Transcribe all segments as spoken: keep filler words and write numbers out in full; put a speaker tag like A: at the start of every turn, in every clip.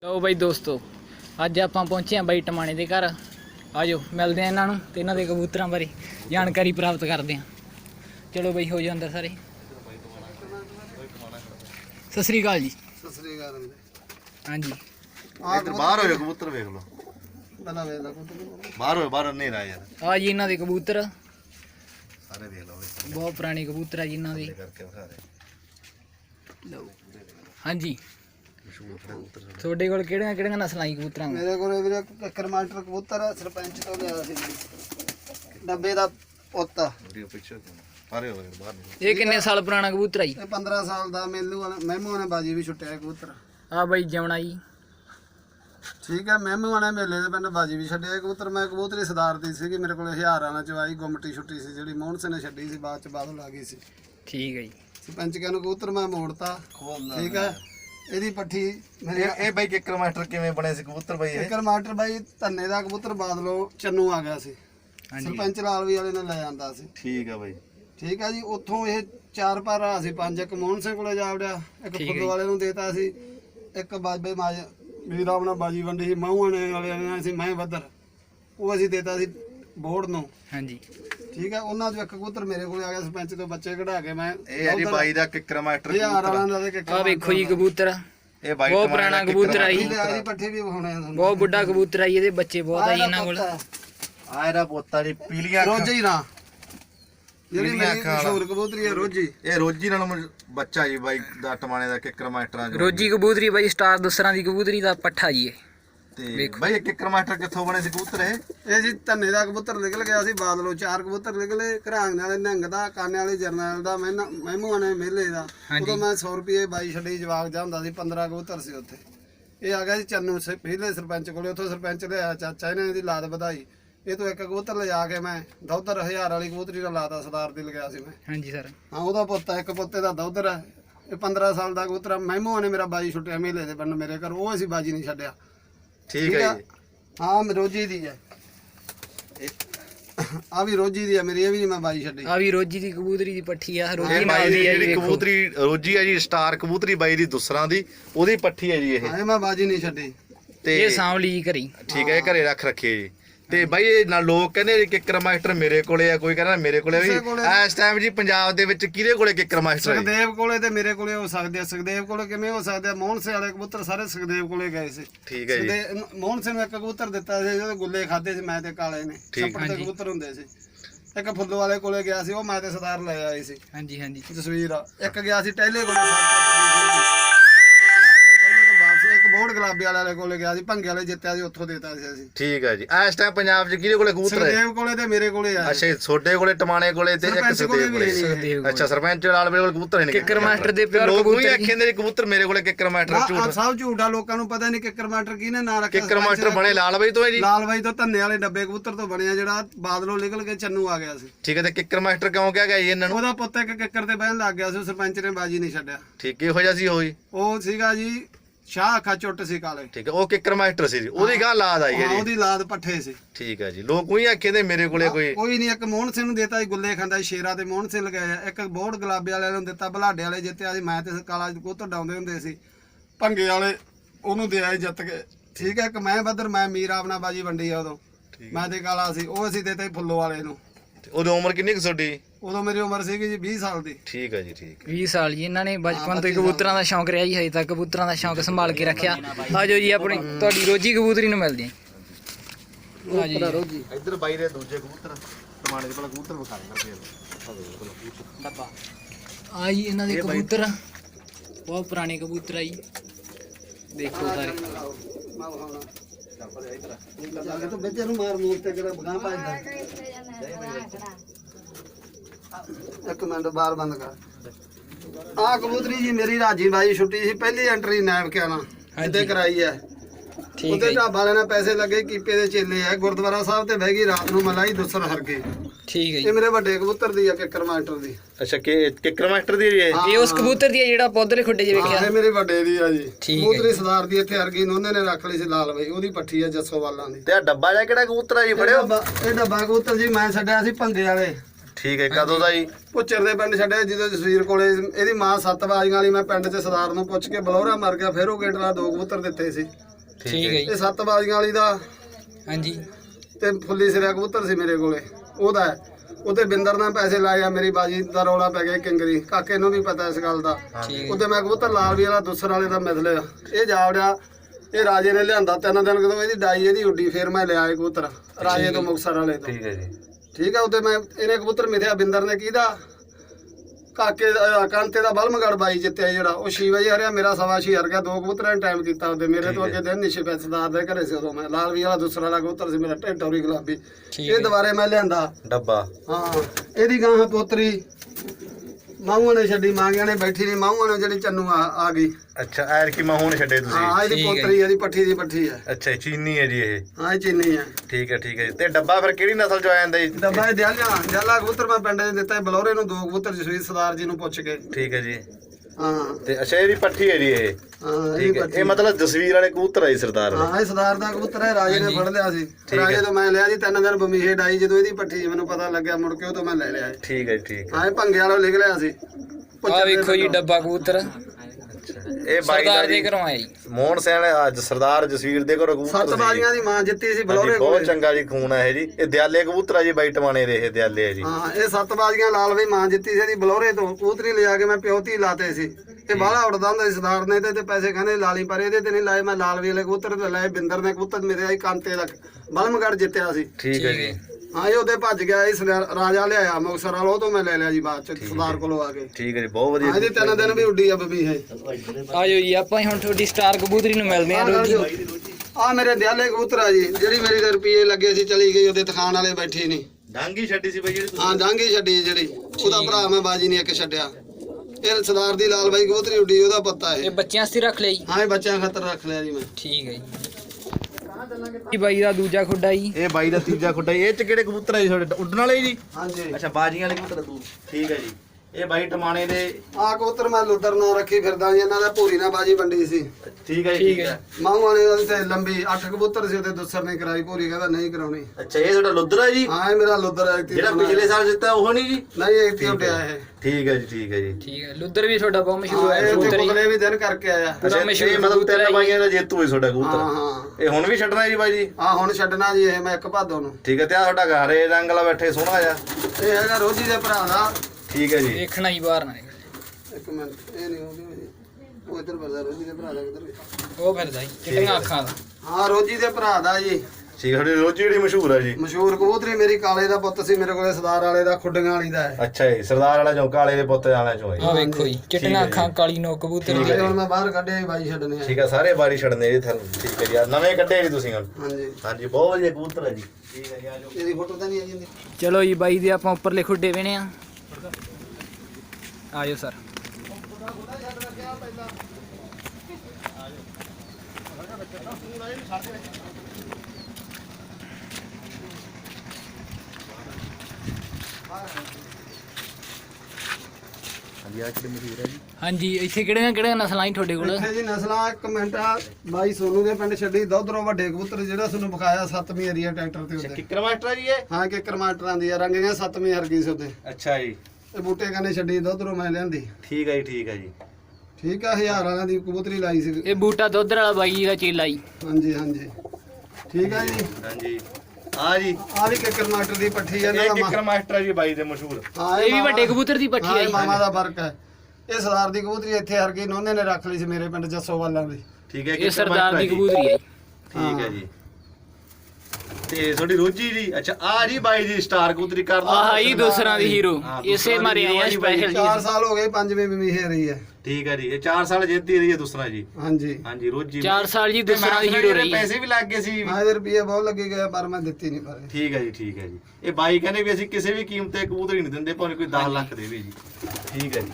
A: ਲਓ ਬਾਈ ਦੋਸਤੋ, ਅੱਜ ਆਪਾਂ ਪਹੁੰਚੇ ਹਾਂ ਬਾਈ ਟਮਾਣੇ ਦੇ ਘਰ। ਆਜੋ ਮਿਲਦੇ ਹਾਂ ਇਹਨਾਂ ਨੂੰ ਤੇ ਇਹਨਾਂ ਦੇ ਕਬੂਤਰਾਂ ਬਾਰੇ ਜਾਣਕਾਰੀ ਪ੍ਰਾਪਤ ਕਰਦੇ ਹਾਂ। ਚਲੋ ਬਾਈ, ਹੋ ਜਾਓ ਅੰਦਰ ਸਾਰੇ। ਸਤਿ ਸ੍ਰੀ ਅਕਾਲ ਜੀ।
B: ਸਤਿ ਸ੍ਰੀ ਅਕਾਲ।
A: ਹਾਂਜੀ,
C: ਇੱਧਰ ਬਾਹਰ ਹੋਇਆ ਕਬੂਤਰ ਵੇਖ ਲਓ।
B: ਬਣਾ ਵੇਖ ਲੈ ਕਬੂਤਰ
C: ਬਾਹਰ ਹੋਇਆ, ਬਾਹਰ ਹਨੇਰਾ ਯਾਰ।
A: ਆ ਜੀ ਇਹਨਾਂ ਦੇ ਕਬੂਤਰ,
C: ਸਾਰੇ ਵੇਖ ਲਓ
A: ਬਹੁਤ ਪੁਰਾਣੇ ਕਬੂਤਰ ਆ ਜੀ ਇਹਨਾਂ ਦੇ।
C: ਕਰਕੇ ਵਿਖਾ ਰਹੇ
A: ਲਓ ਹਾਂਜੀ,
C: ਮਸ਼ਹੂਰ ਕਬੂਤਰ ਸਾਡੇ।
A: ਤੁਹਾਡੇ ਕੋਲ ਕਿਹੜੀਆਂ ਕਿਹੜੀਆਂ ਨਸਲਾਂ ਜੀ ਕਬੂਤਰਾਂ ਦੀਆਂ?
B: ਮੇਰੇ ਕੋਲ ਵੀਰੇ ਕੱਕਰ ਮਾਸਟਰ ਕਬੂਤਰ ਆ, ਸਰਪੰਚ ਤੋਂ ਲਿਆ ਸੀ ਡੱਬੇ ਦਾ ਪੁੱਤ ਆ।
C: ਵੀਡੀਓ ਪਿਕਚਰ ਪਾਰੇ ਹੋਏ ਬਾਹਰ ਨੂੰ।
A: ਇਹ ਕਿੰਨੇ ਸਾਲ ਪੁਰਾਣਾ ਕਬੂਤਰ ਆ ਜੀ?
B: ਇਹ ਪੰਦਰਾਂ ਸਾਲ ਦਾ ਮੇਲੂ ਵਾਲਾ ਮਹਿਮੂ ਨੇ ਬਾਜੀ ਵੀ ਛੁੱਟਿਆ ਕਬੂਤਰ।
A: ਆ ਬਾਈ ਜਮਣਾ ਜੀ।
B: ਠੀਕ ਹੈ, ਮਹਿਮੂ ਨੇ ਮੇਲੇ ਦੇ ਪਿੰਡ ਬਾਜੀ ਵੀ ਛੱਡਿਆ ਕਬੂਤਰ। ਮੈਂ ਕਬੂਤਰੀ ਸਰਦਾਰ ਦੀ ਸੀਗੀ, ਮੇਰੇ ਕੋਲ ਹਜ਼ਾਰਾਂ ਨਾਲ ਚਵਾਈ ਗੁੰਮਟੀ ਛੁੱਟੀ ਸੀ ਜਿਹੜੀ ਮੋਹਨ ਸਿੰਘ ਨੇ ਛੱਡੀ ਸੀ, ਬਾਅਦ ਚ ਬਾਦਲ ਆ ਗਈ ਸੀ।
A: ਠੀਕ ਹੈ ਜੀ।
B: ਸਰਪੰਚ ਕਹਿੰਨੂੰ ਕਬੂਤਰ ਮੈਂ ਮੋੜਤਾ। ਠੀਕ ਹੈ, ਇਹਦੀ ਪੱਠੀ ਮੇਰੀ
C: ਇਹ ਇਹ ਬਾਈ ਕਿੱਕਰ ਮਾਸਟਰ ਕਿਵੇਂ ਬਣੇ ਸੀ ਕਬੂਤਰ ਬਾਈ ਇਹ?
B: ਕੱਕਰ ਮਾਸਟਰ ਬਾਈ ਧੰਨੇ ਦਾ ਕਬੂਤਰ ਬਾਦਲੋਂ ਚੰਨੂ ਆ ਗਿਆ ਸੀ,
A: ਹਾਂਜੀ
B: ਸਰਪੰਚ ਲਾਲਵੀ ਵਾਲੇ ਨੇ ਲੈ ਜਾਂਦਾ ਸੀ।
C: ਠੀਕ ਆ ਬਾਈ।
B: ਠੀਕ ਆ ਜੀ, ਉੱਥੋਂ ਇਹ ਚਾਰ ਭਾਰਾ ਸੀ, ਪੰਜ। ਇੱਕ ਮੋਹਨ ਸਿੰਘ ਕੋਲੇ ਜਾ ਵੜਿਆ, ਇੱਕ ਫੁੱਲ ਵਾਲੇ ਨੂੰ ਦੇਤਾ ਸੀ, ਇੱਕ ਬਾਬੇ ਮਾਜ ਵੀਰ ਆਪਣਾ ਬਾਜੀ ਵੰਡੀ ਸੀ ਮਾਹੂਆਣੇ ਵਾਲੇ ਨੇ ਸੀ, ਮੈਂ ਬੱਦਰ ਉਹ ਅਸੀਂ ਦੇਤਾ ਸੀ ਬੋਰਡ ਨੂੰ।
A: ਹਾਂਜੀ
B: ਠੀਕ ਆ, ਉਹਨਾਂ ਚੋਂ ਇੱਕ ਕਬੂਤਰ ਮੇਰੇ ਕੋਲੇ ਆ ਗਿਆ, ਸਰਪੰਚ ਤੋਂ ਬੱਚੇ ਕਢਾ ਕੇ ਮੈਂ
C: ਇਹ ਹੈ ਜੀ ਬਾਈ ਦਾ ਕਿੱਕਰ ਮਾਸਟਰ
B: ਹਜ਼ਾਰ ਵਾਲਾਂ ਦਾ ਤੇ
A: ਆ ਵੇਖੋ ਜੀ ਕਬੂਤਰ,
C: ਇਹ ਬਾਈ
A: ਬਹੁਤ ਪੁਰਾਣਾ ਕਬੂਤਰ ਆ ਜੀ।
B: ਇਹਦੀ ਪੱਠੇ ਵੀ ਵਿਖਾਉਣੇ ਆ ਤੁਹਾਨੂੰ।
A: ਬਹੁਤ ਵੱਡਾ ਕਬੂਤਰ ਆ ਜੀ, ਇਹਦੇ ਬੱਚੇ ਬਹੁਤ ਆ ਜੀ ਇਹਨਾਂ ਕੋਲ।
C: ਆ ਇਹਦਾ ਪੋਤਾ ਜੀ ਪੀਲੀਆਂ ਅੱਖਾਂ।
B: ਰੋਜੀ ਨਾ ਜਿਹੜੀ ਮੇਰੀ ਮਸ਼ਹੂਰ ਕਬੂਤਰੀ ਹੈ ਰੋਜੀ।
C: ਇਹ ਰੋਜੀ ਨਾਲ ਬੱਚਾ ਜੀ ਬਾਈ ਦਾ ਟਮਾਣੇ ਦਾ ਕਿੱਕਰ ਮਾਸਟਰਾਂ ਚੋਂ।
A: ਰੋਜੀ ਕਬੂਤਰੀ ਬਾਈ ਸਟਾਰ ਦੂਸਰਾਂ ਦੀ ਕਬੂਤਰੀ ਦਾ ਪੱਠਾ ਜੀ ਇਹ।
C: ਤੇ ਬਾਈ ਇਹ ਕਿੱਕਰ ਮਾਸਟਰ ਕਿੱਥੋਂ ਬਣੇ ਸੀ ਕਬੂਤਰ ਇਹ?
B: ਇਹ ਜੀ ਧੰਨੇ ਦਾ ਕਬੂਤਰ ਨਿਕਲ ਗਿਆ ਸੀ ਬਾਦਲੋਂ, ਚਾਰ ਕਬੂਤਰ ਨਿਕਲੇ, ਘਰਾਂਗ ਵਾਲੇ ਨਿਹੰਗ ਦਾ, ਕਾਨੇ ਵਾਲੇ ਜਰਨੈਲ ਦਾ, ਮਹਿਮੂ ਨੇ ਮੇਲੇ ਦਾ। ਉਦੋਂ ਮੈਂ ਸੌ ਰੁਪਏ ਬਾਈ ਛੱਡੀ, ਜਵਾਕ ਜਾ ਹੁੰਦਾ ਸੀ, ਪੰਦਰਾਂ ਕਬੂਤਰ ਸੀ ਉੱਥੇ। ਇਹ ਆ ਗਿਆ ਸੀ ਚੰਨੂ ਸੇ ਪਹਿਲੇ ਸਰਪੰਚ ਕੋਲੇ, ਉੱਥੋਂ ਸਰਪੰਚ ਲਿਆ ਚਾਚਾ, ਇਹਨੇ ਇਹਦੀ ਲਾਦ ਵਧਾਈ। ਇਹ ਤੋਂ ਇੱਕ ਕਬੂਤਰ ਲਿਜਾ ਕੇ ਮੈਂ ਦੌਧਰ ਹਜ਼ਾਰ ਵਾਲੀ ਕਬੂਤਰੀ ਦਾ ਲਾਤਾ, ਸਰਦਾਰ ਦੀ ਲਗਾਇਆ ਸੀ ਮੈਂ।
A: ਹਾਂਜੀ ਸਰ।
B: ਹਾਂ, ਉਹਦਾ ਪੁੱਤ ਆ, ਇੱਕ ਪੁੱਤੇ ਦਾ ਦੌਧਰ ਹੈ। ਇਹ ਪੰਦਰਾਂ ਸਾਲ ਦਾ ਕਬੂਤਰ। ਮਹਿਮੂ ਨੇ ਮੇਰਾ ਬਾਜੀ ਛੁੱਟਿਆ ਮੇਲੇ ਦੇ ਪਿੰਡ ਮੇਰੇ ਘਰ, ਉਹ ਅਸੀਂ ਬਾਜੀ ਨਹੀਂ ਛੱਡਿਆ।
C: ਠੀਕ ਹੈ ਜੀ।
B: ਹਾਂ, ਰੋਜੀ ਦੀ ਹੈ, ਆ ਵੀ ਰੋਜੀ ਦੀ ਹੈ ਮੇਰੀ, ਇਹ ਵੀ ਨਹੀਂ ਮੈਂ ਬਾਜੀ ਛੱਡੀ।
A: ਆ ਵੀ ਰੋਜੀ ਦੀ ਕਬੂਤਰੀ ਦੀ ਪੱਠੀ ਆ, ਰੋਜੀ
C: ਇਹ
A: ਨਾਲ
C: ਬਾਈ
A: ਦੀ
C: ਦੀ
A: ਹੈ
C: ਜਿਹੜੀ
A: ਜੀ।
C: ਕਬੂਤਰੀ ਰੋਜੀ ਆ ਜੀ, ਸਟਾਰ ਕਬੂਤਰੀ ਬਾਈ ਦੀ ਦੂਸਰਾਂ ਦੀ, ਉਹਦੀ ਪੱਠੀ ਹੈ ਜੀ ਇਹ।
B: ਹਾਂ, ਮੈਂ ਬਾਜੀ ਨਹੀਂ ਛੱਡੀ।
C: ਤੇ
A: ਇਹ ਸਾਂਵਲੀ ਜੀ ਘਰੀ।
C: ਠੀਕ ਹੈ, ਇਹ ਘਰੇ ਰੱਖ ਰੱਖੀਏ ਜੀ। ਤੇ ਬਾਈ ਇਹ ਨਾਲ ਲੋਕ ਕਹਿੰਦੇ ਜੀ ਕਿੱਕਰ ਮਾਸਟਰ ਮੇਰੇ ਕੋਲੇ ਆ, ਕੋਈ ਕਹਿੰਦਾ ਮੇਰੇ ਕੋਲੇ ਆ। ਵੀ ਇਸ ਟਾਈਮ ਜੀ ਪੰਜਾਬ ਦੇ ਵਿੱਚ ਕਿਹਦੇ ਕੋਲੇ ਕਿੱਕਰ ਮਾਸਟਰ ਹੈ?
B: ਸੁਖਦੇਵ ਕੋਲੇ ਤੇ ਮੇਰੇ ਕੋਲੇ ਹੋ ਸਕਦੇ ਆ। ਸੁਖਦੇਵ ਕੋਲੇ ਕਿਵੇਂ ਹੋ ਸਕਦੇ ਆ? ਮੋਹਨ ਸਿੰਘ ਵਾਲੇ ਕਬੂਤਰ ਸਾਰੇ ਸੁਖਦੇਵ ਕੋਲੇ ਗਏ ਸੀ।
C: ਠੀਕ ਹੈ ਜੀ।
B: ਸੁਖਦੇਵ ਮੋਹਨ ਸਿੰਘ ਨੂੰ ਇੱਕ ਕਬੂਤਰ ਦਿੱਤਾ ਸੀ, ਉਹਦੇ ਗੁੱਲੇ ਖਾਦੇ ਸੀ ਮੈਂ ਤੇ ਕਾਲੇ ਨੇ, ਛੱਪੜ ਦੇ ਕਬੂਤਰ ਹੁੰਦੇ ਸੀ। ਇੱਕ ਫੁੱਲੋ ਵਾਲੇ ਕੋਲੇ ਗਿਆ ਸੀ, ਉਹ ਮੈਂ ਤੇ ਸਰਦਾਰ ਲੈ ਆਏ ਸੀ।
A: ਹਾਂਜੀ ਹਾਂਜੀ।
B: ਤਸਵੀਰ ਆ। ਇੱਕ ਗਿਆ ਸੀ ਟਹਿਲੇ ਕੋਲੇ, ਇੱਕ ਬੋੜ ਗੁਲਾਬੀ ਵਾਲੇ ਕੋਲੇ ਗਿਆ ਸੀ, ਭੰਗੇ ਵਾਲੇ ਜਿੱਤਿਆ ਸੀ, ਉੱਥੋਂ ਦੇਤਾ ਸੀ ਅਸੀਂ।
C: ਠੀਕ ਹੈ ਜੀ। ਇਸ ਟਾਈਮ ਪੰਜਾਬ 'ਚ ਕਿਹਦੇ ਕੋਲੇ ਕਬੂਤਰ ਹੈ?
B: ਸੁਖਦੇਵ ਕੋਲੇ ਤੇ ਮੇਰੇ ਕੋਲੇ ਆ।
C: ਅੱਛਾ, ਛੋਡੇ ਕੋਲੇ, ਟਮਾਣੇ ਕੋਲੇ ਤੇ ਇੱਕ
B: ਸਰਪੰਚ ਕੋਲੇ
C: ਸੁਖਦੇਵ
B: ਵੀ ਨਹੀਂ
C: ਕੋਲੇ।
B: ਹੈ।
C: ਅੱਛਾ, ਸਰਪੰਚ ਨਾਲ ਮੇਰੇ ਕੋਲ ਕਬੂਤਰ ਨਹੀਂ।
A: ਕਿੱਕਰ ਮਾਸਟਰ ਦੇ ਪਿਆਰ
C: ਲੋਕ ਉਹੀ
A: ਕਬੂਤਰ
C: ਆਖੇ ਨੇ ਕਬੂਤਰ ਮੇਰੇ ਕੋਲੇ ਕਿੱਕਰ ਮਾਸਟਰ
B: ਆਹ
C: ਝੂਠ।
B: ਸਭ ਝੂਠਾ, ਲੋਕਾਂ ਨੂੰ ਪਤਾ ਨਹੀਂ ਕਿੱਕਰ ਮਾਸਟਰ ਕਿਹਨੇ ਨਾਂ ਰੱਖਿਆ।
C: ਕਿੱਕਰ ਮਾਸਟਰ ਬਣੇ ਲਾਲ ਬਾਈ ਤੋਂ ਹੈ ਜੀ।
B: ਲਾਲ ਬਾਈ ਤੋਂ ਧੰਨੇ ਵਾਲੇ ਡੱਬੇ ਕਬੂਤਰ ਤੋਂ ਬਣਿਆ, ਜਿਹੜਾ ਬਾਦਲੋਂ ਨਿਕਲ ਕੇ ਚੰਨੂ ਆ ਗਿਆ ਸੀ।
C: ਠੀਕ ਹੈ। ਤੇ ਕਿੱਕਰ ਮਾਸਟਰ ਕਿਉਂ ਕਿਹਾ ਗਿਆ ਜੀ ਇਹਨਾਂ ਨੂੰ?
B: ਉਹਦਾ ਪੁੱਤ ਇੱਕ ਕਿੱਕਰ ਤੇ ਬਹਿਣ ਲੱਗ ਗਿਆ ਸੀ, ਸਰਪੰਚ ਨੇ ਬਾਜੀ ਨਹੀਂ ਛੱਡਿਆ।
C: ਠੀਕ ਹੈ, ਹੋ ਜਾ ਸੀ ਹੋਈ।
B: ਉਹ ਸੀਗਾ ਜੀ ਸ਼ਾਹ ਅੱਖਾਂ ਚੁੱਟ ਸੀ ਕਾਲੇ।
C: ਠੀਕ ਹੈ, ਉਹ ਕਿੱਕਰ ਮਾਸਟਰ ਸੀ ਜੀ, ਉਹਦੀ ਗਾਂ ਲਾਦ ਆਈ ਹੈ
B: ਹਾਂ,
C: ਜੀ।
B: ਉਹਦੀ ਲਾਦ ਪੱਠੇ ਸੀ।
C: ਠੀਕ ਹੈ ਜੀ। ਲੋਕ ਉਹੀ ਆਖੇ ਨੇ ਮੇਰੇ ਕੋਲੇ ਕੋਈ।
B: ਕੋਈ ਨਹੀਂ, ਇੱਕ ਮੋਹਨ ਸਿੰਘ ਨੂੰ ਦੇਤਾ ਸੀ, ਗੁੱਲੇ ਖਾਂਦਾ ਸੀ, ਸ਼ੇਰਾ ਤੇ ਮੋਹਨ ਸਿੰਘ ਲਗਾਇਆ। ਇੱਕ ਬੋੜ ਗੁਲਾਬੇ ਵਾਲੇ ਨੂੰ ਦਿੱਤਾ, ਬਲਾਡੇ ਵਾਲੇ ਜਿੱਤਿਆ ਸੀ, ਮੈਂ ਤੇ ਕਾਲਾ ਕਬੂਤਰ ਡਾਉਂਦੇ ਹੁੰਦੇ ਸੀ। ਭੰਗੇ ਵਾਲੇ ਉਹਨੂੰ ਦਿਆ ਜਿੱਤ ਕੇ। ਠੀਕ ਹੈ, ਇੱਕ ਮੈਂ ਬੱਦਰ ਮੈਂ ਮੀਰ ਆਪਣਾ ਬਾਜੀ ਵੰਡੀ ਆ ਉਦੋਂ, ਮੈਂ ਤੇ ਕਾਲਾ ਸੀ, ਉਹ ਅਸੀਂ ਦੇਤੇ ਫੁੱਲੋ ਵਾਲੇ ਨੂੰ।
C: ਉਦੋਂ ਉਮਰ ਕਿੰਨੀ ਕੁ ਤੁਹਾਡੀ?
B: ਉਦੋਂ ਮੇਰੀ ਉਮਰ ਸੀਗੀ ਜੀ ਵੀਹ ਸਾਲ ਦੀ।
C: ਠੀਕ ਹੈ ਜੀ। ਠੀਕ
A: ਵੀਹ ਸਾਲ ਜੀ। ਇਹਨਾਂ ਨੇ ਬਚਪਨ ਤੋਂ ਹੀ ਕਬੂਤਰਾਂ ਦਾ ਸ਼ੌਂਕ ਰਿਹਾ ਜੀ, ਹਜੇ ਤੱਕ ਕਬੂਤਰਾਂ ਦਾ ਸ਼ੌਂਕ ਸੰਭਾਲ ਕੇ ਰੱਖਿਆ। ਆਜੋ ਜੀ ਆਪਣੀ ਤੁਹਾਡੀ ਰੋਜੀ ਕਬੂਤਰੀ ਨੂੰ ਮਿਲਦੇ ਹਾਂ। ਆਜੋ
B: ਰੋਜੀ
C: ਇੱਧਰ ਬਾਈ ਦੇ ਦੂਜੇ ਕਬੂਤਰ ਟਮਾਣੇ ਦੇ ਪਹਿਲਾਂ ਕਬੂਤਰ ਵਿਖਾ ਦੇਣਾ ਫਿਰ
A: ਡੱਬਾ। ਆ ਜੀ ਇਹਨਾਂ ਦੇ ਕਬੂਤਰ, ਬਹੁਤ ਪੁਰਾਣੇ ਕਬੂਤਰ ਆ ਜੀ, ਦੇਖੋ ਸਾਰੇ।
B: ਤੂੰ ਬੱਚੇ ਨੂੰ ਮਾਰ ਮੂਰ ਤੇ ਕਿਹੜਾ ਬਗਾਂ ਪਾਇਦਾ। ਇੱਕ ਮਿੰਟ ਬਾਹਰ ਬੰਦ ਕਰ। ਆਹ ਕਬੂਤਰੀ ਜੀ ਮੇਰੀ ਰਾਜੀ ਬਾਈ ਛੁੱਟੀ ਸੀ, ਪਹਿਲੀ ਐਂਟਰੀ ਨੈਬ ਕਿਆਣਾ ਇੱਥੇ ਕਰਾਈ ਹੈ।
A: ਠੀਕ
B: ਉਹਦੇ
A: ਹੈ
B: ਢਾਬਾ ਵਾਲਿਆਂ ਨੇ ਪੈਸੇ ਲੱਗੇ, ਕੀਪੇ ਦੇ ਚੇਲੇ ਆ, ਗੁਰਦੁਆਰਾ ਸਾਹਿਬ ਤੇ ਬਹਿ ਗਈ ਰਾਤ ਨੂੰ ਮਲਾਈ ਦੁਸਰ ਹਰ ਕੇ।
A: ਠੀਕ ਹੈ
B: ਇਹ
A: ਜੀ।
B: ਮੇਰੇ ਵੱਡੇ ਕਬੂਤਰ ਦੀ ਆ, ਕਿੱਕਰ ਮਾਸਟਰ ਦੀ।
C: ਅੱਛਾ, ਕਿ ਕਿੱਕਰ ਮਾਸਟਰ ਦੀ ਹੈ
A: ਇਹ ਉਸ ਕਬੂਤਰ ਦੀ ਹੈ ਜਿਹੜਾ ਪੌਧਲੇ ਖੁੱਡੇ 'ਚ ਵੇਖਿਆ?
B: ਇਹ ਮੇਰੇ ਵੱਡੇ ਦੀ ਆ ਜੀ।
A: ਠੀਕ ਹੈ।
B: ਕਬੂਤਰੀ ਸਰਦਾਰ ਦੀ ਇੱਥੇ ਹਰਗੀ ਨੂੰ ਉਹਨੇ ਨੇ ਰੱਖ ਲਈ ਸੀ, ਲਾਲ ਬਾਈ ਉਹਦੀ ਪੱਠੀ ਆ ਜੱਸੋਵਾਲਾਂ ਦੀ।
C: ਤੇ ਆ ਡੱਬਾ ਜਾਂ ਕਿਹੜਾ ਕਬੂਤਰ ਆ ਜੀ?
B: ਇਹ
C: ਫੜਿਓ।
B: ਡੱਬਾ ਇਹ ਡੱਬਾ ਕਬੂਤਰ ਜੀ ਮੈਂ ਛੱਡਿਆ ਸੀ ਭੰਗੇ ਵਾਲੇ।
C: ਠੀਕ ਹੈ, ਕਦੋਂ ਦਾ ਜੀ?
B: ਪੁੱਚਰ ਦੇ ਪਿੰਡ ਛੱਡਿਆ, ਜਦੋਂ ਜਸਵੀਰ ਕੋਲੇ। ਇਹਦੀ ਮਾਂ ਸੱਤ ਬਾਜੀਆਂ ਵਾਲੀ, ਮੈਂ ਪਿੰਡ 'ਚ ਸਰਦਾਰ ਨੂੰ ਪੁੱਛ ਕੇ ਬਲੌਰਾ ਮਰ ਗਿਆ, ਫਿਰ ਉਹ ਗੇਟਲਾ ਦੋ ਕਬੂਤਰ ਦਿੱਤੇ ਸੀ।
A: ਠੀਕ ਹੈ
B: ਇਹ
A: ਜੀ
B: ਸੱਤ ਬਾਜ਼ੀਆਂ ਵਾਲੀ ਦਾ
A: ਹਾਂਜੀ
B: ਤੇ ਫੁੱਲੀ ਸਿਰਾ ਕਬੂਤਰ ਸੀ ਮੇਰੇ ਕੋਲੇ ਉਹਦਾ ਹੈ। ਉਹਤੇ ਬਿੰਦਰ ਨੇ ਪੈਸੇ ਲਾਏ ਆ, ਮੇਰੀ ਬਾਜੀ ਦਾ ਰੌਲਾ ਪੈ ਗਿਆ ਕਿੰਗਰੀ, ਕਾਕੇ ਨੂੰ ਵੀ ਪਤਾ ਇਸ ਗੱਲ ਦਾ। ਉਹਦੇ ਮੈਂ ਕਬੂਤਰ ਲਾਲ ਵੀ ਵਾਲਾ ਦੂਸਰ ਵਾਲੇ ਦਾ ਮਿਸਲੇ ਆ, ਇਹ ਜਾਵੜਿਆ ਇਹ ਰਾਜੇ ਨੇ ਲਿਆਂਦਾ ਤਿੰਨ ਦਿਨ ਕਦੋਂ ਇਹਦੀ ਡਾਈ ਇਹਦੀ ਉੱਡੀ, ਫਿਰ ਮੈਂ ਲਿਆ ਇਹ ਕਬੂਤਰ ਰਾਜੇ ਤੋਂ ਮੁਕਤਸਰ ਵਾਲੇ ਤੋਂ।
C: ਠੀਕ ਹੈ ਜੀ
B: ਠੀਕ ਹੈ, ਉਹਦੇ ਮੈਂ ਇਹਨੇ ਕਬੂਤਰ ਮਿਥਿਆ ਬਿੰਦਰ ਨੇ ਕਿਹਦਾ ਕਾਕੇ ਦਾ ਕਾਂਤੇ ਦਾ ਬਲਮਗੜ ਬਾਈ ਜਿੱਤਿਆ ਜਿਹੜਾ, ਉਹ ਛੇ ਵਜੇ ਹਰਿਆ, ਮੇਰਾ ਸਵਾ ਛੇ ਹਰ ਗਿਆ। ਦੋ ਕਬੂਤਰਾਂ ਨੇ ਟਾਈਮ ਕੀਤਾ ਉਹਦੇ, ਮੇਰੇ ਤੋਂ ਅੱਗੇ ਦਿਨ ਨਿਸ਼ੇ ਪੈ ਸਰਦਾਰ ਦੇ ਘਰੇ ਸੀ ਉਦੋਂ ਮੈਂ। ਲਾਲ ਵੀ ਵਾਲਾ ਦੂਸਰਾ ਵਾਲਾ ਕਬੂਤਰ ਸੀ ਮੇਰਾ ਢੇਟੌਰੀ ਗੁਲਾਬੀ, ਇਹ ਦੁਬਾਰੇ ਮੈਂ ਲਿਆਂਦਾ
C: ਡੱਬਾ।
B: ਹਾਂ ਇਹਦੀ ਗਾਂ ਪੋਤਰੀ ਮਾਹੂਆਂ ਨੇ ਛੱਡੀ, ਮਾਂਗਿਆਂ ਨੇ ਬੈਠੀ ਨਹੀਂ, ਮਾਹੂਆਂ ਨੇ ਜਿਹੜੀ ਚੰਨੂ ਆ ਆ ਗਈ।
C: ਅੱਛਾ ਐਰ ਕੀ ਮੈਂ ਹੁਣ ਛੱਡੇ ਤੁਸੀਂ?
B: ਹਾਂ ਇਹਦੀ ਪੋਤਰੀ ਇਹਦੀ ਪੱਠੀ ਦੀ ਪੱਠੀ ਹੈ।
C: ਅੱਛਾ ਚੀਨੀ ਹੈ ਜੀ ਇਹ?
B: ਹਾਂ ਇਹ ਚੀਨੀ ਹੈ।
C: ਠੀਕ ਹੈ ਠੀਕ ਹੈ ਜੀ। ਤੇ ਡੱਬਾ ਫਿਰ ਕਿਹੜੀ ਨਸਲ ਚ ਆ ਜਾਂਦਾ ਜੀ?
B: ਡੱਬਾ ਇਹ ਦਿਆਲਾ ਦਿਆਲਾ ਕਬੂਤਰ ਮੈਂ ਪਿੰਡ 'ਚ ਦਿੱਤਾ, ਬਲੌਰੇ ਨੂੰ ਦੋ ਕਬੂਤਰ ਜਸਵੀਰ ਸਰਦਾਰ ਜੀ ਨੂੰ ਪੁੱਛ ਕੇ।
C: ਠੀਕ ਹੈ ਜੀ।
B: ਹਾਂ
C: ਤੇ ਅੱਛਾ ਇਹਦੀ ਪੱਠੀ ਹੈ ਜੀ ਇਹ?
B: ਹਾਂ
C: ਠੀਕ ਹੈ, ਇਹ ਮਤਲਬ ਜਸਵੀਰ ਵਾਲੇ ਕਬੂਤਰ ਆ ਜੀ ਸਰਦਾਰ ਵਾਲੇ?
B: ਹਾਂ ਇਹ ਸਰਦਾਰ ਦਾ ਕਬੂਤਰ ਹੈ, ਰਾਜੇ ਨੇ ਫੜ ਲਿਆ ਸੀ। ਰਾਜੇ ਤੋਂ ਮੈਂ ਲਿਆ ਜੀ ਤਿੰਨ ਦਿਨ ਬਮੀਹੇ ਡਾਈ, ਜਦੋਂ ਇਹਦੀ ਪੱਠੀ ਮੈਨੂੰ ਪਤਾ ਲੱਗਿਆ ਮੁੜ ਕੇ ਉਹ ਤੋਂ ਮੈਂ ਲੈ ਲਿਆ।
C: ਠੀਕ ਹੈ ਜੀ ਠੀਕ ਹੈ।
B: ਹਾਂ ਇਹ ਭੰਗੇ ਵਾਲੋਂ ਲਿਖ ਲਿਆ ਸੀ।
A: ਆ ਵੇਖੋ ਜੀ ਡੱਬਾ ਕਬੂਤਰ
C: ਇਹ ਬਾਈ ਦਾ
A: ਸਰਦਾਰ ਦੇ
C: ਜੀ
A: ਘਰੋਂ ਆਇਆ ਜੀ,
C: ਮੋਹਨ ਸੈਣ ਅੱਜ ਸਰਦਾਰ ਜਸਵੀਰ ਦੇ ਘਰੋਂ ਕਬੂਤਰ
B: ਸੱਤ ਬਾਜ਼ੀਆਂ ਦੀ ਮਾਂ ਜਿੱਤੀ ਸੀ ਬਲੌਰੇ
C: ਬਹੁਤ
B: ਕੋਲੇ।
C: ਚੰਗਾ ਜੀ ਖੂਨ ਹੈ ਇਹ ਜੀ। ਇਹ ਦਿਆਲੇ ਕਬੂਤਰ ਆ ਜੀ ਬਾਈ ਟਵਾਣੇ ਦੇ, ਇਹ ਦਿਆਲੇ ਆ ਜੀ।
B: ਹਾਂ ਇਹ ਸੱਤ ਬਾਜ਼ੀਆਂ ਲਾਲ ਵੀ ਮਾਂ ਜਿੱਤੀ ਸੀ ਇਹਦੀ ਬਲੌਰੇ ਤੋਂ, ਕਬੂਤਰੀ ਲਿਜਾ ਕੇ ਮੈਂ ਪਿਓਤੀ ਲਾਤੇ ਸੀ। ਇਹ ਬਾਹਲਾ ਉੜਦਾ ਹੁੰਦਾ ਸੀ ਸਰਦਾਰ ਨੇ ਤੇ ਪੈਸੇ ਕਹਿੰਦੇ ਲਾਲੀ, ਪਰ ਇਹਦੇ ਤੇ ਨਹੀਂ ਲਾਏ। ਮੈਂ ਲਾਲ ਵੀ ਵਾਲੇ ਕਬੂਤਰ ਤੇ ਲਾਏ, ਬਿੰਦਰ ਨੇ ਕਬੂਤਰ ਮੇਰੇ ਆਈ ਕਾਂਤੇ ਦਾ ਬਲਮਗੜ ਜਿੱਤਿਆ ਸੀ।
C: ਠੀਕ ਹੈ ਜੀ।
B: ਹਾਂ ਇਹ ਉਹਦੇ ਭੱਜ ਗਿਆ, ਇਸ ਰਾਜਾ ਲਿਆਇਆ ਮੁਕਤਸਰ ਵਾਲਾ, ਉਹ ਤੋਂ ਮੈਂ ਲੈ ਲਿਆ ਜੀ ਬਾਅਦ ਚ ਸਰਦਾਰ ਕੋਲੋਂ ਆ ਕੇ।
C: ਠੀਕ ਹੈ ਜੀ ਬਹੁਤ ਵਧੀਆ।
B: ਹਾਂ ਇਹਦੇ ਤਿੰਨ ਦਿਨ ਵੀ ਉੱਡੀ ਆ ਬਬੀ ਹੈ।
A: ਆਜੋ ਜੀ ਆਪਾਂ ਹੁਣ ਤੁਹਾਡੀ ਸਟਾਰ ਕਬੂਤਰੀ ਨੂੰ ਮਿਲਦੇ ਆ ਰੋਜੀ।
B: ਆ ਮੇਰੇ ਦਿਆਲੇ ਕਬੂਤਰ ਆ ਜੀ, ਜਿਹੜੀ ਮੇਰੀ ਦੇ ਰੁਪਏ ਲੱਗੇ ਸੀ ਚਲੀ ਗਈ, ਉਹਦੇ ਤਖਾਨ ਵਾਲੇ ਬੈਠੇ ਨਹੀਂ।
C: ਡਾਂਗੀ ਛੱਡੀ ਸੀ ਬਾਈ ਜਿਹੜੀ
B: ਹਾਂ ਡਾਂਗੀ ਛੱਡੀ ਜਿਹੜੀ, ਉਹਦਾ ਭਰਾ ਮੈਂ ਬਾਜੀ ਨਹੀਂ ਇੱਕ ਛੱਡਿਆ। ਇਹ ਸਰਦਾਰ ਦੀ ਲਾਲ ਬਾਈ ਕਬੂਤਰੀ ਉੱਡੀ, ਉਹਦਾ ਪੱਤਾ
A: ਇਹ
B: ਹੈ।
A: ਬੱਚਿਆਂ ਵਾਸਤੇ ਰੱਖ ਲਿਆ ਜੀ?
B: ਹਾਂ ਇਹ ਬੱਚਿਆਂ ਖਾਤਰ ਰੱਖ ਲਿਆ ਜੀ ਮੈਂ।
A: ਠੀਕ ਹੈ ਜੀ। ਇਹ ਬਾਈ ਦਾ ਦੂਜਾ ਖੁੱਡਾ ਜੀ,
C: ਇਹ ਬਾਈ ਦਾ ਤੀਜਾ ਖੁੱਡਾ। ਇਹ ਚ ਕਿਹੜੇ ਕਬੂਤਰ ਆ ਜੀ ਤੁਹਾਡੇ? ਉੱਡਣ ਵਾਲੇ ਜੀ?
B: ਹਾਂਜੀ
C: ਅੱਛਾ ਬਾਜੀਆਂ ਵਾਲੇ ਕਬੂਤਰ ਤੂੰ। ਠੀਕ ਹੈ ਜੀ। ਇਹ ਬਾਈ ਟਮਾਣੇ ਦੇ
B: ਆ ਕਬੂਤਰ ਮੈਂ ਲੁੱਦਰ ਨਾ ਰੱਖੀ ਫਿਰਦਾ ਜੀ, ਇਹਨਾਂ ਦਾ ਭੂਰੀ ਨਾਲ ਬਾਜੀ ਵੰਡੀ ਸੀ।
C: ਠੀਕ ਹੈ ਜੀ ਠੀਕ ਹੈ।
B: ਮਾਹੂਆਂ ਨੇ ਉਹਦੇ ਤੇ ਲੰਬੀ ਅੱਠ ਕਬੂਤਰ ਸੀ, ਉਹਦੇ ਦੁਸਰ ਨੇ ਕਰਾਈ, ਭੂਰੀ ਕਹਿੰਦਾ ਨਹੀਂ ਕਰਾਉਣੀ।
C: ਅੱਛਾ ਇਹ ਤੁਹਾਡਾ ਲੁੱਦਰ ਹੈ ਜੀ?
B: ਹਾਂ ਇਹ ਮੇਰਾ ਲੁੱਦਰ ਹੈ।
C: ਜਿਹੜਾ ਪਿਛਲੇ ਸਾਲ ਜਿੱਤਿਆ ਉਹ ਨਹੀਂ ਜੀ?
B: ਨਹੀਂ ਇਹ ਇੱਥੇ ਉੱਡਿਆ ਇਹ।
C: ਠੀਕ ਹੈ ਜੀ ਠੀਕ ਹੈ ਜੀ।
A: ਠੀਕ ਹੈ। ਲੁੱਦਰ ਵੀ ਤੁਹਾਡਾ ਬਹੁਤ ਮਸ਼ਹੂਰ
B: ਹਾਂ
A: ਹੈ
B: ਇਹ ਉੱਥੇ
A: ਕਬੂਤਰੀ।
B: ਕੁਗਲੇ ਵੀ ਦਿਨ ਕਰਕੇ ਆਇਆ।
C: ਅੱਛਾ ਇਹ ਮਤਲਬ ਤਿੰਨ ਬਾਈਆਂ ਦਾ ਜੇਤੂ ਹੈ ਤੁਹਾਡਾ
B: ਹਾਂ
C: ਕਬੂਤਰ?
B: ਹਾਂ
C: ਇਹ ਹੁਣ ਵੀ ਛੱਡਣਾ ਜੀ ਬਾਈ ਜੀ?
B: ਆ ਹੁਣ ਛੱਡਣਾ ਜੀ ਇਹ ਮੈਂ ਇੱਕ ਭਾਦੋ ਨੂੰ।
C: ਠੀਕ ਹੈ। ਤੇ ਆ ਤੁਹਾਡਾ ਘਰ ਇਹ ਰੰਗ ਵਾਲਾ ਬੈਠੇ ਸੋਹਣਾ ਜਿਹਾ,
B: ਇਹ ਹੈਗਾ ਰੋਜੀ ਦੇ ਭਰਾ ਦਾ।
C: ਠੀਕ ਹੈ ਜੀ।
A: ਦੇਖਣਾ ਹੀ ਬਾਹਰ ਨਾ ਨਿਕਲੇ।
B: ਇੱਕ ਮਿੰਟ ਇਹ ਨਹੀਂ ਹੋ ਗਈ, ਉਹ ਇੱਧਰ ਫਿਰਦਾ ਰੋਜੀ ਦੇ ਭਰਾ ਦਾ ਕਿੱਧਰ ਗਿਆ?
A: ਉਹ ਫਿਰਦਾ ਜੀ ਚਿੱਟੀਆਂ ਅੱਖਾਂ ਦਾ।
B: ਹਾਂ ਰੋਜੀ ਦੇ ਭਰਾ ਦਾ ਜੀ,
C: ਠੀਕ ਹੈ। ਤੁਹਾਡੀ ਰੋਜੀ ਜਿਹੜੀ ਮਸ਼ਹੂਰ ਹੈ ਜੀ?
B: ਮਸ਼ਹੂਰ ਕਬੂਤਰੀ ਮੇਰੀ ਕਾਲੇ ਦਾ ਪੁੱਤ ਸੀ, ਮੇਰੇ ਕੋਲੇ ਸਰਦਾਰ ਵਾਲੇ ਦਾ ਖੁੱਡੀਆਂ ਵਾਲੀ ਦਾ ਹੈ।
C: ਅੱਛਾ ਜੀ ਸਰਦਾਰ ਵਾਲਾ ਚੌਂਕਾ ਵਾਲੇ ਦੇ ਪੁੱਤ ਵਾਲਾ ਚੋਂ ਹੈ।
A: ਆ ਵੇਖੋ ਜੀ ਚਿੱਟੀਆਂ ਅੱਖਾਂ ਕਾਲੀ ਨੋ ਕਬੂਤਰ ਦੀ।
B: ਇਹ ਹੁਣ ਮੈਂ ਬਾਹਰ ਕੱਢਿਆ ਜੀ ਬਾਈ ਛੱਡਣੇ ਆ।
C: ਠੀਕ ਹੈ ਸਾਰੇ ਬਾਰੀ ਛੱਡਨੇ ਜੀ ਤੁਹਾਨੂੰ। ਠੀਕ ਹੈ ਜੀ। ਆਹ ਨਵੇਂ ਕੱਢੇ ਜੀ ਤੁਸੀਂ ਹੁਣ?
B: ਹਾਂਜੀ
C: ਹਾਂਜੀ ਬਹੁਤ ਵਧੀਆ ਕਬੂਤਰ ਹੈ ਜੀ। ਠੀਕ ਹੈ ਜੀ। ਆ ਜਾਓ।
B: ਇਹਦੀ ਫੋਟੋ ਤਾਂ ਨਹੀਂ ਆ ਜਾਂਦੀ।
A: ਚਲੋ ਜੀ ਬਾਈ ਦੇ ਆਪਾਂ ਉੱਪਰਲੇ ਖੁੱਡੇ ਵੇਣੇ ਆ। ਆਜੋ ਸਰ।
C: ਹਾਂਜੀ ਆ ਕਿਹੜੇ ਮਸ਼ਹੂਰ ਹੈ ਜੀ?
A: ਹਾਂਜੀ ਇੱਥੇ ਕਿਹੜੀਆਂ ਕਿਹੜੀਆਂ ਨਸਲਾਂ ਜੀ ਤੁਹਾਡੇ ਕੋਲ?
B: ਇੱਥੇ ਜੀ ਨਸਲਾਂ ਇੱਕ ਮਿੰਟ ਆ ਬਾਈ ਸੋਨੂ ਦੇ ਪਿੰਡ ਛੱਡੀ ਦੋਧਰੋਂ ਵੱਡੇ ਕਬੂਤਰ ਜਿਹੜਾ ਤੁਹਾਨੂੰ ਵਿਖਾਇਆ ਸੱਤਵੀਂ ਏਰੀਆ ਟਰੈਕਟਰ ਤੇ ਉੱਤੇ।
C: ਕਿੱਕਰ ਮਾਸਟਰ ਜੀ ਇਹ?
B: ਹਾਂ ਕਿੱਕਰ ਮਾਸਟਰਾਂ ਦੀ ਆ, ਰੰਗੀਆਂ ਸੱਤਵੀਂ ਹਰਗੀ ਸੀ ਉੱਤੇ।
C: ਅੱਛਾ ਜੀ।
B: ਇਹ ਬੂਟੇ ਕਹਿੰਦੇ ਛੱਡੀ ਦੋਧਰੋਂ ਮੈਂ ਲਿਆਂਦੀ।
C: ਠੀਕ ਹੈ ਜੀ ਠੀਕ ਹੈ ਜੀ।
B: ਠੀਕ ਆ, ਹਜ਼ਾਰ ਵਾਲਿਆਂ ਦੀ ਕਬੂਤਰੀ ਲਾਈ ਸੀ।
A: ਇਹ ਬੂਟਾ ਦੁੱਧ ਵਾਲਾ ਬਾਈ ਜੀ ਦਾ ਚੇਲਾ ਜੀ।
B: ਹਾਂਜੀ ਹਾਂਜੀ ਠੀਕ ਆ ਜੀ।
C: ਹਾਂਜੀ ਆ ਜੀ
B: ਆ ਵੀ ਕਿੱਕਰ ਮਾਸਟਰ ਦੀ ਪੱਠੀ ਆ
C: ਇਹ
B: ਇਹਨਾਂ ਦਾ।
C: ਕਿੱਕਰ ਮਾਸਟਰ ਹੈ ਜੀ ਬਾਈ ਦੇ ਮਸ਼ਹੂਰ।
B: ਹਾਂ
A: ਇਹ ਵੀ
B: ਮਾਮਾ-
A: ਵੱਡੇ ਕਬੂਤਰ ਦੀ ਪੱਠੀ
B: ਹਾਂ,
A: ਆ
B: ਇਹ
A: ਜੀ।
B: ਮਾਮਾ ਦਾ ਫਰਕ ਹੈ। ਇਹ ਸਰਦਾਰ ਦੀ ਕਬੂਤਰੀ ਇੱਥੇ ਹਰਗੀ ਨੋਨੇ ਨੇ ਰੱਖ ਲਈ ਸੀ ਮੇਰੇ ਪਿੰਡ ਜੱਸੋਵਾਲਾਂ ਦੀ।
C: ਠੀਕ ਹੈ।
A: ਇਹ ਸਰਦਾਰ ਦੀ ਕਬੂਤਰੀ ਹੈ ਜੀ।
C: ਠੀਕ ਹੈ ਜੀ। ਤੇ ਤੁਹਾਡੀ ਰੋਜੀ ਜੀ? ਅੱਛਾ ਆ ਜੀ ਬਾਈ ਜੀ ਸਟਾਰ ਕਬੂਤਰੀ ਕਰਦਾ।
A: ਆਹ ਹੀ ਦੂਸਰਾਂ ਦੀ ਹੀਰੋ।
C: ਹਾਂ,
A: ਇਸੇ ਮਾਰੇ ਆਏ ਆ ਸਪੈਸ਼ਲ
B: ਚਾਰ
A: ਜੀ।
B: ਸਾਲ ਹੋ ਗਏ, ਪੰਜਵੇਂ ਮਹੀਨੇ ਰਹੀ ਹੈ।
C: ਠੀਕ ਹੈ ਜੀ। ਇਹ ਚਾਰ ਸਾਲ ਜਿੱਤੀ ਰਹੀ ਹੈ ਦੂਸਰਾ ਜੀ?
B: ਹਾਂਜੀ
C: ਹਾਂਜੀ ਰੋਜੀ
A: ਚਾਰ ਸਾਲ ਜੀ
C: ਤੇ
A: ਦੂਸਰਾਂ ਦੀ
C: ਮੈਂ
A: ਹੀਰੋ
C: ਸੁਣਿਆ
A: ਰਹੀ ਹੈ।
C: ਪੈਸੇ ਵੀ ਲੱਗ ਗਏ ਸੀ?
B: ਹਾਂ ਇਹਦੇ ਰੁਪਏ ਬਹੁਤ ਲੱਗੇ ਗਏ ਪਰ ਮੈਂ ਦਿੱਤੀ ਨਹੀਂ ਪਰ।
C: ਠੀਕ ਹੈ ਜੀ ਠੀਕ ਹੈ ਜੀ। ਇਹ ਬਾਈ ਕਹਿੰਦੇ ਵੀ ਅਸੀਂ ਕਿਸੇ ਵੀ ਕੀਮਤ ਤੇ ਕਬੂਤਰੀ ਨਹੀਂ ਦਿੰਦੇ ਭਾਵੇਂ ਕੋਈ ਦਸ ਲੱਖ ਦੇਵੇ ਜੀ। ਠੀਕ ਹੈ ਜੀ।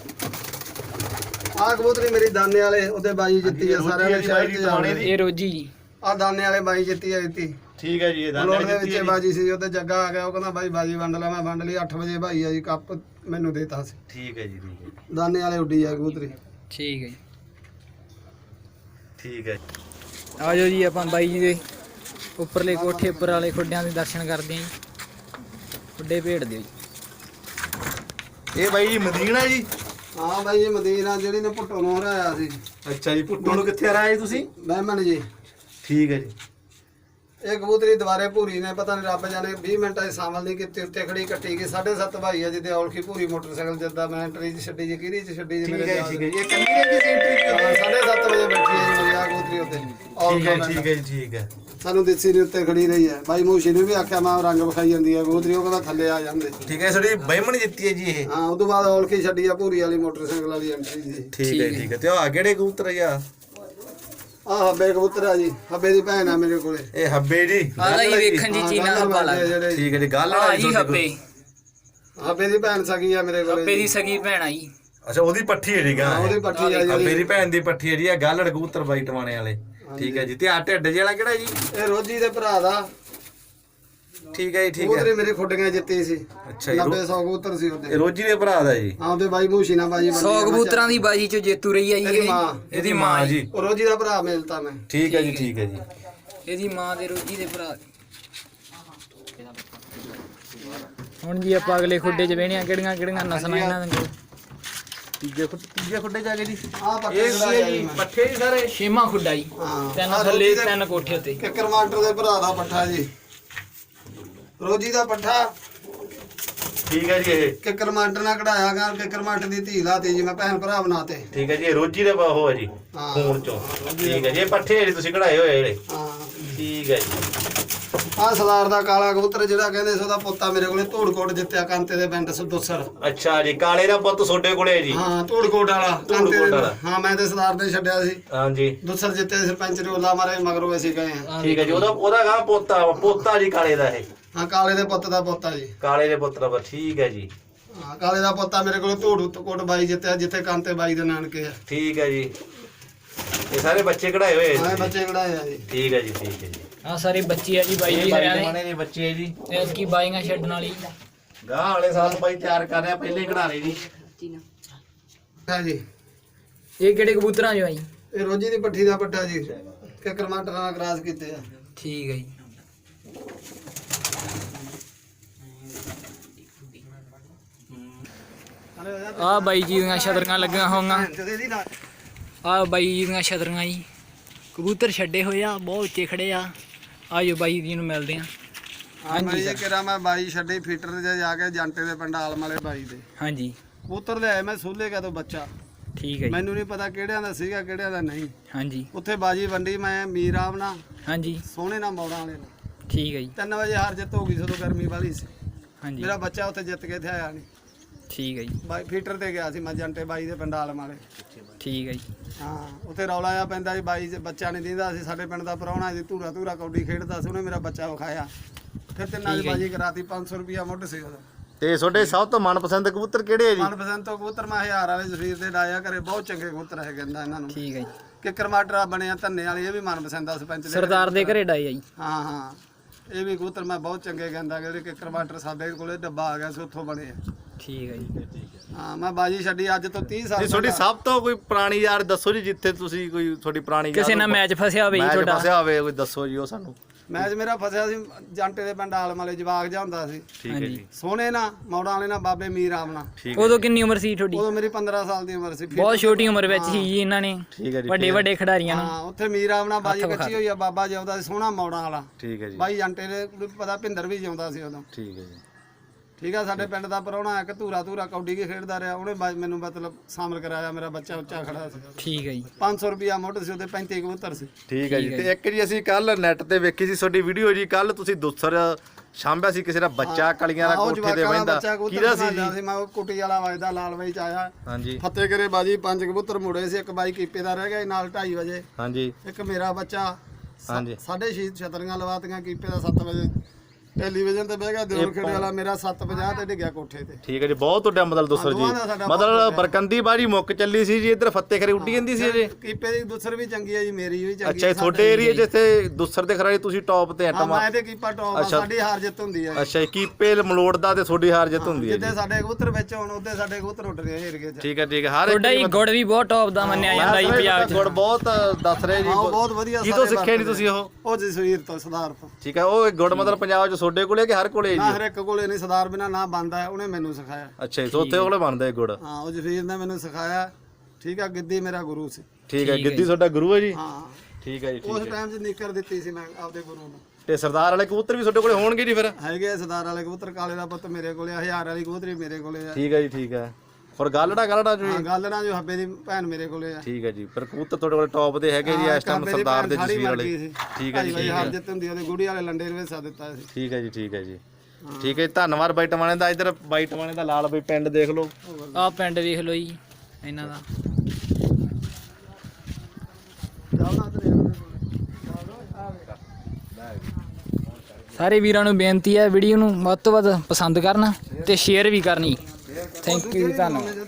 B: ਆਹ ਕਬੂਤਰੀ ਮੇਰੀ ਦਾਨੇ ਵਾਲੇ ਉਹਦੇ ਬਾਈ ਜਿੱਤੀ ਆ, ਸਾਰਿਆਂ ਨੇ ਸ਼ਹਿਰ ਚ ਜਾਣੇ ਦੀ।
A: ਇਹ ਰੋਜੀ ਜੀ।
B: ਆਹ ਦਾਨੇ ਵਾਲੇ ਬਾਈ ਜਿੱਤੀ ਆ ਦਿੱਤੀ।
C: ਠੀਕ ਹੈ ਜੀ। ਇਹ
B: ਬਲੋੜ
C: ਦਾਣੇ
B: ਦੇ
C: ਜਿੱਤੀ
B: ਵਿੱਚ
C: ਹੈ ਜੀ।
B: ਬਾਜੀ ਸੀ, ਉਹਦੇ ਜੱਗਾ ਆ ਗਿਆ, ਉਹ ਕਹਿੰਦਾ ਬਾਈ ਬਾਜੀ ਵੰਡ ਲੈ। ਮੈਂ ਵੰਡ ਲਈ। ਅੱਠ ਵਜੇ ਭਾਈ ਆ ਜੀ ਕੱਪ ਮੈਨੂੰ ਦੇਤਾ ਸੀ।
C: ਠੀਕ ਹੈ ਜੀ ਠੀਕ ਹੈ
B: ਦਾਨੇ ਵਾਲੇ ਉੱਡੀ ਆ ਕਬੂਤਰੀ।
A: ਠੀਕ ਹੈ ਜੀ।
C: ਠੀਕ ਹੈ।
A: ਆਜੋ ਜੀ ਆਪਾਂ ਬਾਈ ਜੀ ਦੇ ਉੱਪਰਲੇ ਕੋਠੇ ਉੱਪਰ ਵਾਲੇ ਖੁੱਡਿਆਂ ਦੇ ਦਰਸ਼ਨ ਕਰਦੇ ਆਂ ਜੀ। ਖੁੱਡੇ ਭੇੜ ਦਿਓ ਜੀ।
C: ਇਹ ਬਾਈ ਜੀ ਮਦੀਨਾ ਜੀ?
B: ਹਾਂ ਬਾਈ ਇਹ ਮਦੀਨਾ ਜਿਹੜੀ ਨੇ ਭੁੱਟੋ ਨੂੰ ਹਰਾਇਆ ਸੀ।
C: ਅੱਛਾ ਜੀ। ਭੁੱਟੋ ਨੂੰ ਕਿੱਥੇ ਹਰਾਇਆ ਜੀ ਤੁਸੀਂ?
B: ਬਹਿਮਨ ਜੀ।
C: ਠੀਕ ਹੈ ਜੀ।
B: ਇਹ ਕਬੂਤਰੀ ਦੁਬਾਰੇ ਭੂਰੀ ਨੇ ਪਤਾ ਨਹੀਂ ਰੱਬ ਜਾਣੇ ਵੀਹ ਮਿੰਟਾਂ ਦੀ ਸਾਮਲ ਨਹੀਂ ਕੀਤੀ, ਉੱਤੇ ਖੜੀ ਕੱਟੀ ਗਈ। ਸਾਢੇ ਸੱਤ ਭਾਈ ਆ ਜਿਹਦੇ ਔਲਖੀ ਭੂਰੀ ਮੋਟਰਸਾਈਕਲ ਜਿੱਦਾਂ ਮੈਂ ਐਂਟਰੀ ਚ ਛੱਡੀ ਜੀ ਕਿਹੜੀ ਚ ਛੱਡੀ ਜੀ
C: ਠੀਕ
B: ਮੇਰੇ
C: ਹੈ
B: ਯਾਦ
C: ਠੀਕ ਹੈ ਜੀ। ਇਹ ਕਿੰਨੀ ਹੈ ਜੀ ਐਂਟਰੀ?
B: ਹਾਂ, ਸਾਢੇ ਸੱਤ ਵਜੇ ਬੈਠੀ ਹੈ ਜੀ ਮੇਰੀ ਆ ਕਬੂਤਰੀ ਉੱਤੇ
C: ਠੀਕ ਹੈ ਠੀਕ ਹੈ ਜੀ ਠੀਕ ਹੈ।
B: ਸਾਨੂੰ ਦਿੱਸੀ ਨੇ ਉੱਤੇ ਖੜੀ ਰਹੀ ਹੈ। ਬਾਈ ਮੂਸ਼ੀ ਨੇ ਵੀ ਆਖਿਆ ਮੈਂ ਰੰਗ ਵਿਖਾਈ ਜਾਂਦੀ ਹੈ ਕਬੂਤਰੀ, ਉਹ ਕਹਿੰਦਾ ਥੱਲੇ ਆ ਜਾਂਦੇ।
C: ਠੀਕ ਹੈ ਤੁਹਾਡੀ ਬਹਿਮਣ ਜਿੱਤੀ ਹੈ ਜੀ ਇਹ?
B: ਹਾਂ, ਉਸ ਤੋਂ ਬਾਅਦ ਔਲਖੀ ਛੱਡੀ ਆ ਭੂਰੀ ਵਾਲੀ ਮੋਟਰਸਾਈਕਲ ਵਾਲੀ ਐਂਟਰੀ ਦੀ।
C: ਠੀਕ ਹੈ ਠੀਕ ਹੈ। ਤੇ ਆ ਕਿਹੜੇ ਕਬੂਤਰ ਆ?
B: ਆਹ ਹੱਬੇ ਕਬੂਤਰ ਆ ਜੀ, ਹੱਬੇ ਦੀ ਭੈਣ ਆ ਮੇਰੇ ਕੋਲੇ।
C: ਇਹ ਹੱਬੇ ਜੀ?
A: ਆਹ ਜੀ ਵੇਖਣ ਜੀ ਚੀਨਾ ਹੱਬਾ ਲੱਗਦਾ।
B: ਜਿਹੜੇ
C: ਠੀਕ ਹੈ ਜੀ। ਗੱਲ
A: ਆ
C: ਵਾਲੀ
A: ਜੀ ਹੱਬੇ
B: ਹੱਬੇ ਦੀ ਭੈਣ ਸਗੀ ਆ ਮੇਰੇ ਕੋਲੇ।
A: ਹੱਬੇ ਦੀ ਸਗੀ ਭੈਣ ਆ ਜੀ।
C: ਅੱਛਾ ਉਹਦੀ ਪੱਠੀ ਹੈ ਠੀਕ ਆ?
B: ਹਾਂ, ਉਹਦੀ ਪੱਠੀ ਆ
C: ਹੱਬੇ
B: ਜਿਹੜੀ।
C: ਦੀ ਭੈਣ ਦੀ ਪੱਠੀ ਹੈ ਜੀ। ਇਹ ਗੱਲ ਕਬੂਤਰ ਬਾਈ ਟਵਾਣੇ ਵਾਲੇ। ਠੀਕ ਹੈ ਜੀ। ਤੇ ਆ ਢਿੱਡ ਜਿਹੜਾ ਕਿਹੜਾ ਜੀ?
B: ਇਹ ਰੋਜੀ ਦੇ ਭਰਾ ਦਾ।
C: ਠੀਕ ਹੈ ਜੀ ਠੀਕ ਹੈ।
B: ਕਬੂਤਰੀ ਮੇਰੇ ਖੁੱਡੀਆਂ ਜਿੱਤੀ ਸੀ।
C: ਅੱਛਾ ਜੀ।
B: ਨੱਬੇ ਸੌ ਕਬੂਤਰ ਸੀ ਉਹਦੇ।
C: ਇਹ ਰੋਜੀ ਦੇ ਭਰਾ ਦਾ ਜੀ?
B: ਹਾਂ, ਉਹਦੇ ਬਾਈ ਮੂਸ਼ੀ ਨਾਲ ਬਾਜੀ
A: ਸੌ ਕਬੂਤਰਾਂ ਦੀ ਬਾਜੀ ਚ ਜੇਤੂ ਰਹੀ ਆ ਜੀ
B: ਇਹਦੀ
A: ਇਹ।
B: ਮਾਂ।
A: ਇਹਦੀ ਮਾਂ ਜੀ।
B: ਉਹ ਰੋਜੀ ਦਾ ਭਰਾ ਮਿਲਤਾ ਮੈਂ।
C: ਠੀਕ ਹੈ ਜੀ ਠੀਕ ਹੈ ਜੀ।
A: ਇਹਦੀ ਮਾਂ ਦੇ ਰੋਜੀ ਦੇ ਭਰਾ। ਹੁਣ ਜੀ ਆਪਾਂ ਅਗਲੇ ਖੁੱਡੇ ਚ ਵੇਹਣੀਆਂ ਕਿਹੜੀਆਂ ਕਿਹੜੀਆਂ ਨਸਲਾਂ ਇਹਨਾਂ ਦੇ ਕੋਲ।
C: ਤੀਜੇ ਖੁੱਡੇ ਤੀਜੇ ਖੁੱਡੇ ਜਾ ਕੇ ਜੀ?
B: ਆਹ ਪੱਠੇ
C: ਇਹ ਕੀ ਹੈ ਜੀ? ਪੱਠੇ ਜੀ ਸਾਰੇ?
A: ਛੇਵਾਂ ਖੁੱਡਾ ਜੀ।
B: ਹਾਂ,
A: ਤਿੰਨ
B: ਆਹ
A: ਥੱਲੇ
B: ਰੋਜੀ ਦੇ-
A: ਤਿੰਨ ਕੋਠੇ ਉੱਤੇ।
B: ਕਿੱਕਰ ਮਾਸਟਰ ਦੇ ਭਰਾ ਦਾ ਪੱਠਾ ਜੀ। ਰੋਜੀ ਦਾ ਪੱਠਾ
C: ਠੀਕ ਹੈ ਜੀ। ਇਹ
B: ਕਿੱਕਰ ਮਾਸਟਰ ਨਾਲ ਕਢਾਇਆ ਗਾ। ਕਿੱਕਰ ਮਾਸਟਰ ਦੀ ਧੀ ਲਾਤੀ ਜੀ ਮੈਂ, ਭੈਣ ਭਰਾ ਬਣਾਤੇ।
C: ਠੀਕ ਹੈ ਜੀ। ਇਹ ਰੋਜੀ ਦਾ ਉਹ ਹੈ ਜੀ
B: ਹਾਂ।
C: ਖੂਨ ਚੋਂ। ਠੀਕ ਹੈ ਜੀ। ਇਹ ਪੱਠੇ ਜਿਹੜੇ ਤੁਸੀਂ ਕਢਾਏ ਹੋਏ ਜਿਹੜੇ?
B: ਹਾਂ,
C: ਠੀਕ ਹੈ ਜੀ।
B: ਆਹ ਸਰਦਾਰ ਦਾ ਕਾਲਾ ਕਬੂਤਰ ਜਿਹੜਾ ਕਹਿੰਦੇ ਸੀ ਉਹਦਾ ਪੋਤਾ ਮੇਰੇ ਕੋਲੇ ਧੂੜਕੋਟ ਜਿੱਤਿਆ ਕਾਂਤੇ ਦੇ ਪਿੰਡ ਸੁਦੋਸਰ।
C: ਅੱਛਾ ਜੀ। ਕਾਲੇ ਦਾ ਪੁੱਤ ਤੁਹਾਡੇ ਕੋਲੇ ਹੈ ਜੀ?
B: ਹਾਂ, ਧੂੜਕੋਟ ਵਾਲਾ ਕਾਂਤੇ
C: ਧੂੜਕੋਟ
B: ਦੇ।
C: ਵਾਲਾ।
B: ਹਾਂ, ਮੈਂ ਤੇ ਸਰਦਾਰ ਨੇ ਛੱਡਿਆ ਸੀ।
C: ਹਾਂਜੀ
B: ਦੁਸਰ ਜਿੱਤੇ ਸਰਪੰਚ ਨੇ ਉਹਲਾ ਮਾਰੇ ਮਗਰੋਂ ਅਸੀਂ ਗਏ ਹਾਂ।
C: ਠੀਕ ਹੈ ਜੀ। ਉਹਦਾ ਉਹਦਾ ਗਾ ਪੋਤਾ ਪੋਤਾ ਜੀ ਕਾਲੇ ਦਾ ਇਹ?
B: ਹਾਂ, ਕਾਲੇ ਦੇ ਪੁੱਤ ਦਾ ਪੋਤਾ ਜੀ।
C: ਕਾਲੇ ਦੇ ਪੁੱਤ ਦਾ। ਠੀਕ ਹੈ ਜੀ।
B: ਹਾਂ, ਕਾਲੇ ਦਾ ਪੋਤਾ ਮੇਰੇ ਕੋਲੇ ਧੂੜਕੋਟ ਬਾਈ ਜਿੱਤਿਆ ਜਿੱਥੇ ਕਾਂਤੇ ਬਾਈ ਦੇ ਨਾਨਕੇ ਆ।
C: ਠੀਕ ਹੈ ਜੀ। ਇਹ ਸਾਰੇ ਬੱਚੇ ਕਢਾਏ ਹੋਏ
B: ਹਾਂ,
C: ਹੈ
B: ਇਹ
C: ਜੀ?
B: ਬੱਚੇ ਕਢਾਏ ਆ ਜੀ।
C: ਠੀਕ ਹੈ ਜੀ ਠੀਕ ਹੈ ਜੀ।
A: ਆ ਸਾਰੇ ਬੱਚੇ ਆ ਜੀ ਬਾਈ
C: ਇਹ
A: ਜੀ
C: ਬਾਈ
A: ਹਰਿਆਣੇ
C: ਟਵਾਣੇ ਦੇ ਬੱਚੇ ਹੈ ਜੀ।
A: ਤੇ ਕੀ ਬਾਈਆਂ ਛੱਡਣ ਵਾਲੀ।
C: ਗਾਂ ਵਾਲੇ ਸਾਲ ਬਾਈ ਤਿਆਰ ਕਰ ਰਿਹਾ, ਪਹਿਲੇ ਕਢਾ ਰਹੇ ਜੀ।
B: ਹਾਂ ਜੀ।
A: ਇਹ ਕਿਹੜੇ ਕਬੂਤਰਾਂ ਜੋ ਆ ਜੀ?
B: ਇਹ ਰੋਜੀ ਦੀ ਪੱਠੀ ਦਾ ਪੱਠਾ ਜੀ। ਕਿੱਕਰ ਮਾਸਟਰ ਨਾਲ ਕਰਾਸ ਕੀਤੇ ਆ।
A: ਠੀਕ ਹੈ ਜੀ। ਆ ਬਾਈ ਜੀ ਦੀਆਂ ਛਤਰੀਆਂ ਲੱਗੀਆਂ ਹੋਈਆਂ। ਆ ਬਾਈ ਜੀ ਦੀਆਂ ਛਤਰੀਆਂ ਜੀ। ਕਬੂਤਰ ਛੱਡੇ ਹੋਏ ਆ, ਬਹੁਤ ਉੱਚੇ ਖੜੇ ਆ। ਆਜੋ ਬਾਈ ਜੀ ਨੂੰ ਮਿਲਦੇ ਆ।
B: ਹਾਂ, ਮੈਂ ਇਹ ਕਿਹਾ ਮੈਂ ਬਾਈ ਛੱਡੀ ਫੀਟਰ ਤੇ ਜਾ ਕੇ ਜੰਟੇ ਦੇ ਪਿੰਡ ਆਲਮ ਵਾਲੇ ਬਾਈ ਦੇ
A: ਹਾਂਜੀ
B: ਕਬੂਤਰ ਲਿਆਏ ਮੈਂ ਸੂਲੇ ਕਾ ਤੋਂ ਬੱਚਾ।
A: ਠੀਕ ਹੈ ਜੀ।
B: ਮੈਨੂੰ ਨਹੀਂ ਪਤਾ ਕਿਹੜਿਆਂ ਦਾ ਸੀਗਾ ਕਿਹੜਿਆਂ ਦਾ ਨਹੀਂ।
A: ਹਾਂਜੀ
B: ਉੱਥੇ ਬਾਜੀ ਵੰਡੀ ਮੈਂ ਮੀਰ ਆਮ ਨਾਲ
A: ਹਾਂਜੀ
B: ਸੋਹਣੇ ਨਾਲ ਮੌੜਾਂ ਵਾਲੇ ਨਾਲ।
A: ਠੀਕ ਹੈ ਜੀ।
B: ਤਿੰਨ ਵਜੇ ਹਾਰ ਜਿੱਤ ਹੋ ਗਈ ਸਦੋਂ ਗਰਮੀ ਵਾਲੀ ਸੀ।
A: ਹਾਂਜੀ
B: ਮੇਰਾ ਬੱਚਾ ਉੱਥੇ ਜਿੱਤ ਕੇ ਇੱਥੇ ਆਇਆ ਨਹੀਂ।
A: ਠੀਕ ਹੈ ਜੀ।
B: ਬਾਈ ਫੀਟਰ ਤੇ ਗਿਆ ਸੀ ਮੈਂ ਜੰਟੇ ਬਾਈ ਦੇ ਪਿੰਡ ਆਲਮ ਵਾਲੇ।
A: ਠੀਕ ਹੈ ਜੀ।
B: ਹਾਂ, ਉੱਥੇ ਰੌਲਾ ਆ ਪੈਂਦਾ ਸੀ ਬਾਈ ਜੇ ਬੱਚਾ ਨਹੀਂ ਦਿੰਦਾ ਸੀ। ਸਾਡੇ ਪਿੰਡ ਦਾ ਪ੍ਰਾਹੁਣਾ ਸੀ, ਧੂਰਾ ਧੂਰਾ ਕੌਡੀ ਖੇਡਦਾ ਸੀ, ਉਹਨੇ ਮੇਰਾ ਬੱਚਾ ਵਿਖਾਇਆ। ਫਿਰ ਤਿੰਨਾਂ ਦੀ ਬਾਜੀ ਕਰਾਤੀ। ਪੰਜ ਸੌ ਰੁਪਿਆ ਮੁੱਢ ਸੀ ਉਹਦਾ।
C: ਤੇ ਤੁਹਾਡੇ ਸਭ ਤੋਂ ਮਨਪਸੰਦ ਕਬੂਤਰ ਕਿਹੜੇ ਹੈ ਜੀ?
B: ਮਨਪਸੰਦ ਤੋਂ ਕਬੂਤਰ ਮੈਂ ਹਜ਼ਾਰ ਵਾਲੇ ਜ਼ਫੀਰ ਦੇ ਡਾਇਆ ਕਰੇ। ਬਹੁਤ ਚੰਗੇ ਕਬੂਤਰ ਹੈ ਕਹਿੰਦਾ ਇਹਨਾਂ ਨੂੰ।
A: ਠੀਕ ਹੈ ਜੀ।
B: ਕਿੱਕਰ ਮਾਟਰਾ ਬਣਿਆ ਧੰਨੇ ਵਾਲੀ, ਇਹ ਵੀ ਮਨਪਸੰਦ ਆ ਸਰਪੰਚ ਦੇ।
A: ਸਰਦਾਰ ਦੇ ਘਰੇ ਡਾਈ ਆ ਜੀ।
B: ਹਾਂ ਹਾਂ, ਇਹ ਵੀ ਕਬੂਤਰ ਮੈਂ ਬਹੁਤ ਚੰਗੇ ਕਹਿੰਦਾ ਜਿਹੜੇ ਕਿੱਕਰ ਮਾਟਰ ਸਾਡੇ ਕੋਲੇ ਡੱਬਾ ਆ ਗਿਆ ਸੀ ਉੱਥੋਂ ਬਣੇ ਆ।
A: ਠੀਕ ਹੈ ਜੀ।
B: ਹਾਂ, ਮੈਂ ਬਾਜੀ ਛੱਡੀ ਅੱਜ ਤੋਂ ਤੀਹ ਸਾਲ
C: ਜੀ ਤੁਹਾਡੀ
B: ਪਹਿਲਾਂ।
C: ਸਭ ਤੋਂ ਕੋਈ ਪੁਰਾਣੀ ਯਾਰ ਦੱਸੋ ਜੀ, ਜਿੱਥੇ ਤੁਸੀਂ ਕੋਈ ਤੁਹਾਡੀ ਪੁਰਾਣੀ
A: ਕਿਸੇ ਨਾਲ ਮੈਚ ਫਸਿਆ ਹੋਵੇ ਜੀ
C: ਮੈਚ
A: ਤੁਹਾਡਾ?
C: ਫਸਿਆ ਹੋਵੇ ਕੋਈ ਦੱਸੋ ਜੀ ਉਹ ਸਾਨੂੰ।
B: ਮੈਚ ਮੇਰਾ ਫਸਿਆ ਸੀ ਜੰਟੇ ਦੇ ਪਿੰਡ ਆਲਮ ਵਾਲੇ, ਜਵਾਗ ਜਾ ਹੁੰਦਾ ਸੀ
C: ਠੀਕ ਹੈ ਜੀ।
B: ਸੋਹਣੇ ਨਾ ਮੌੜਾਂ ਵਾਲੇ ਨਾਲ ਬਾਬੇ ਮੀਰ ਆਮ ਨਾਲ।
C: ਠੀਕ ਹੈ
A: ਉਦੋਂ ਕਿੰਨੀ ਉਮਰ ਸੀ ਤੁਹਾਡੀ?
B: ਉਦੋਂ ਮੇਰੀ ਪੰਦਰਾਂ ਸਾਲ ਦੀ ਉਮਰ ਸੀ।
A: ਬਹੁਤ ਛੋਟੀ ਉਮਰ ਵਿੱਚ ਹੀ ਜੀ ਇਹਨਾਂ ਨੇ
C: ਠੀਕ ਹੈ ਜੀ।
A: ਵੱਡੇ ਵੱਡੇ ਖਿਡਾਰੀਆਂ ਨੂੰ।
B: ਹਾਂ, ਉੱਥੇ ਮੀਰ ਆਮ ਨਾਲ ਬਾਜੀ
A: ਹੱਥ ਵਿਖਾ
B: ਕੱਚੀ ਹੋਈ ਆ। ਬਾਬਾ ਜਿਉਂਦਾ ਸੀ ਸੋਹਣਾ ਮੌੜਾਂ ਵਾਲਾ।
C: ਠੀਕ ਹੈ ਜੀ।
B: ਬਾਈ ਜੰਟੇ ਦੇ ਪਤਾ ਭਿੰਦਰ ਵੀ ਜਿਉਂਦਾ ਸੀ ਉਦੋਂ।
C: ਠੀਕ ਹੈ ਜੀ।
B: ਠੀਕ ਆ, ਸਾਡੇ ਪਿੰਡ ਦਾ ਪ੍ਰਾਹੁਣਾ ਇੱਕ ਧੂਰਾ ਧੂਰਾ ਕੌਡੀ ਕੇ ਖੇਡਦਾ ਰਿਹਾ। ਉਹਨੇ ਬਾਜ- ਮੈਨੂੰ ਮਤਲਬ ਸ਼ਾਮਲ ਕਰਾਇਆ। ਮੇਰਾ ਬੱਚਾ ਉੱਚਾ ਖੜਾ ਸੀ।
A: ਠੀਕ ਹੈ ਜੀ।
B: ਪੰਜ ਸੌ ਰੁਪਿਆ ਮੁੱਢ ਸੀ ਉਹਦੇ, ਪੈਂਤੀ ਕਬੂਤਰ ਸੀ।
C: ਠੀਕ ਹੈ ਜੀ। ਤੇ ਇੱਕ ਜੀ ਅਸੀਂ ਕੱਲ ਨੈਟ ਤੇ ਵੇਖੀ ਸੀ ਤੁਹਾਡੀ ਵੀਡੀਓ ਜੀ। ਕੱਲ ਤੁਸੀਂ ਦੁਸਰ ਸਾਂਭਿਆ ਸੀ ਕਿਸੇ ਦਾ ਬੱਚਾ ਕਲੀਆਂ ਦਾ
B: ਆਹ ਉਹ
C: ਕੋਠੇ ਤੇ
B: ਜਵਾਕਾਂ ਵਾਲਾ
C: ਬਹਿੰਦਾ,
B: ਬੱਚਾ ਕਬੂਤਰ
C: ਕਿਹਦਾ ਸੀ
B: ਬਣਾਇਆ
C: ਜੀ?
B: ਸੀ। ਮੈਂ ਉਹ ਕੁੱਟੀ ਵਾਲਾ ਵਜਦਾ ਲਾਲ ਬਾਈ ਚ ਆਇਆ।
C: ਹਾਂਜੀ
B: ਫਤਿਹ ਕਰੇ ਬਾਜੀ ਪੰਜ ਕਬੂਤਰ ਮੁੜੇ ਸੀ। ਇੱਕ ਬਾਈ ਕੀਪੇ ਦਾ ਰਹਿ ਗਿਆ ਸੀ ਨਾਲ ਢਾਈ ਵਜੇ।
C: ਹਾਂਜੀ
B: ਇੱਕ ਮੇਰਾ ਬੱਚਾ
C: ਹਾਂਜੀ।
B: ਸਾਢੇ ਛੇ ਛਤਰੀਆਂ ਲਵਾਤੀਆਂ। ਕੀਪੇ ਦਾ ਸੱਤ ਵਜੇ ਟੈਲੀਵਿਜ਼ਨ ਤੇ ਬਹਿ ਗਿਆ। ਦਿਓਰ ਖੇੜੇ ਵਾਲਾ ਮੇਰਾ ਸੱਤ ਪੰਜਾਹ ਤੇ ਡਿੱਗਿਆ ਕੋਠੇ ਤੇ।
C: ਠੀਕ ਹੈ ਜੀ। ਬਹੁਤ ਤੁਹਾਡਾ ਮਤਲਬ ਦੁਸਰ
B: ਦੋਵਾਂ ਦਾ
C: ਜੀ,
B: ਸਾਡਾ
C: ਮਤਲਬ ਬਰਕੰਦੀ ਬਾਜੀ ਮੁੱਕ ਚੱਲੀ ਸੀ ਜੀ। ਇੱਧਰ ਫੱਤੇ ਖਰੇ ਉੱਡੀ ਜਾਂਦੀ ਸੀ ਅਜੇ।
B: ਕੀਪੇ ਦੀ ਦੁਸਰ ਵੀ ਚੰਗੀ ਹੈ ਜੀ, ਮੇਰੀ ਵੀ ਚੰਗੀ
C: ਅੱਛਾ, ਤੁਹਾਡੇ ਏਰੀਆ ਜਿੱਥੇ ਦੁਸਰ ਦੇ ਖਰਾਏ ਤੁਸੀਂ ਟੌਪ ਤੇ
B: ਹਾਂ,
C: ਐਟਮ।
B: ਮੈਂ ਤੇ ਕੀਪਾ ਟੌਪ ਆ।
C: ਅੱਛਾ।
B: ਸਾਡੀ ਹਾਰ ਜਿੱਤ ਹੁੰਦੀ ਹੈ।
C: ਅੱਛਾ, ਕੀਪੇ ਮਲੋੜਦਾ ਤੇ ਤੁਹਾਡੀ ਹਾਰ ਜਿੱਤ ਹੁੰਦੀ ਹੈ
B: ਜਿੱਦੇ
C: ਜੀ।
B: ਸਾਡੇ ਕਬੂਤਰ ਵਿੱਚ ਹੋਣ ਉਹਦੇ ਸਾਡੇ ਕਬੂਤਰ ਉੱਡ ਰਹੇ ਏਰੀਏ 'ਚ।
C: ਠੀਕ ਹੈ ਠੀਕ ਹੈ। ਹਰ
A: ਤੁਹਾਡਾ ਜੀ ਗੁੜ ਵੀ ਬਹੁਤ ਟੌਪ ਦਾ ਮੰਨਿਆ ਜਾਂਦਾ ਜੀ ਪੰਜਾਬ 'ਚ।
C: ਗੁੜ ਬਹੁਤ ਦੱਸ ਰਹੇ ਜੀ।
B: ਹਾਂ, ਉਹ ਬਹੁਤ ਵਧੀਆ।
C: ਕੀ ਤੋਂ
B: ਸਾਰੇ
C: ਸਿੱਖਿਆ ਜੀ
B: ਵਰਤਦੇ।
C: ਤੁਸੀਂ ਉਹ?
B: ਉਹ ਜਸਵੀਰ ਤੋਂ, ਸਰਦਾਰ ਤੋਂ।
C: ਠੀਕ ਹੈ। ਉਹ ਗੁੜ ਮਤਲਬ ਪੰਜਾਬ 'ਚ ਤੁਹਾਡੇ ਕੋਲੇ ਕਿ ਹਰ ਕੋਲੇ
B: ਨਾ
C: ਜੀ?
B: ਹਰ ਇੱਕ ਕੋਲੇ ਨਹੀਂ, ਸਰਦਾਰ ਬਿਨਾ ਨਾ ਬੰਦਾ ਹੈ। ਉਹਨੇ ਮੈਨੂੰ ਸਿਖਾਇਆ।
C: ਅੱਛਾ ਜੀ। ਉੱਥੇ ਕੋਲੇ ਬਣਦਾ ਹੈ ਗੁੜ।
B: ਹਾਂ, ਉਹ ਜਸਵੀਰ ਨੇ ਮੈਨੂੰ ਸਿਖਾਇਆ। ਠੀਕ ਆ, ਗਿੱਦੀ ਮੇਰਾ ਗੁਰੂ ਸੀ।
C: ਠੀਕ ਹੈ। ਗਿੱਦੀ ਤੁਹਾਡਾ ਗੁਰੂ ਹੈ ਜੀ?
B: ਹਾਂ,
C: ਠੀਕ ਹੈ ਜੀ
B: ਉਸ
C: ਠੀਕ ਹੈ।
B: ਟਾਈਮ 'ਚ ਨਿੱਕਰ ਦਿੱਤੀ ਸੀ ਮੈਂ ਆਪਦੇ ਗੁਰੂ ਨੂੰ।
C: ਤੇ ਸਰਦਾਰ ਵਾਲੇ ਕਬੂਤਰ ਵੀ ਤੁਹਾਡੇ ਕੋਲੇ ਹੋਣਗੇ ਜੀ ਫਿਰ?
B: ਹੈਗੇ ਆ ਸਰਦਾਰ ਵਾਲੇ ਕਬੂਤਰ, ਕਾਲੇ ਦਾ ਪੁੱਤ ਮੇਰੇ ਕੋਲੇ ਆ, ਹਜ਼ਾਰ ਵਾਲੀ ਕਬੂਤਰੀ ਮੇਰੇ ਕੋਲੇ ਆ।
C: ਠੀਕ ਹੈ ਜੀ ਠੀਕ ਹੈ। ਔਰ ਗਾਲੜਾ ਗਾਲੜਾ ਜੀ?
B: ਹਾਂ ਗੱਲ ਨਾ ਜੋ ਹੱਬੇ ਦੀ ਭੈਣ ਮੇਰੇ ਕੋਲੇ ਆ।
C: ਠੀਕ ਹੈ ਜੀ। ਪਰ ਕਬੂਤਰ ਤੁਹਾਡੇ ਕੋਲ ਟੌਪ ਦੇ ਹੈਗੇ ਜੀ ਇਸ ਟਾਈਮ ਸਰਦਾਰ ਦੇ ਜਸਵੀਰ ਵਾਲੇ? ਠੀਕ ਹੈ ਜੀ
B: ਭਾਈ ਹਰ ਜਿੱਤ ਹੁੰਦੀ ਉਹਦੇ ਗੁੜੀ ਵਾਲੇ ਲੰਡੇ ਨੂੰ ਹਿੱਸਾ ਦਿੱਤਾ ਸੀ।
C: ਠੀਕ ਹੈ ਜੀ ਠੀਕ ਹੈ ਜੀ ਠੀਕ ਹੈ ਜੀ। ਧੰਨਵਾਦ ਬਾਈ ਟਵਾਣੇ ਦਾ। ਇੱਧਰ ਬਾਈ ਟਵਾਣੇ ਦਾ ਲਾਲ ਬਈ ਪਿੰਡ ਦੇਖ ਲਓ।
A: ਆਹ ਪਿੰਡ ਵੇਖ ਲਓ ਜੀ ਇਹਨਾਂ ਦਾ। ਸਾਰੇ ਵੀਰਾਂ ਨੂੰ ਬੇਨਤੀ ਹੈ ਵੀਡੀਓ ਨੂੰ ਵੱਧ ਤੋਂ ਵੱਧ ਪਸੰਦ ਕਰਨ ਤੇ ਸ਼ੇਅਰ ਵੀ ਕਰਨੀ। ਥੈਂਕ ਯੂ, ਧੰਨਵਾਦ।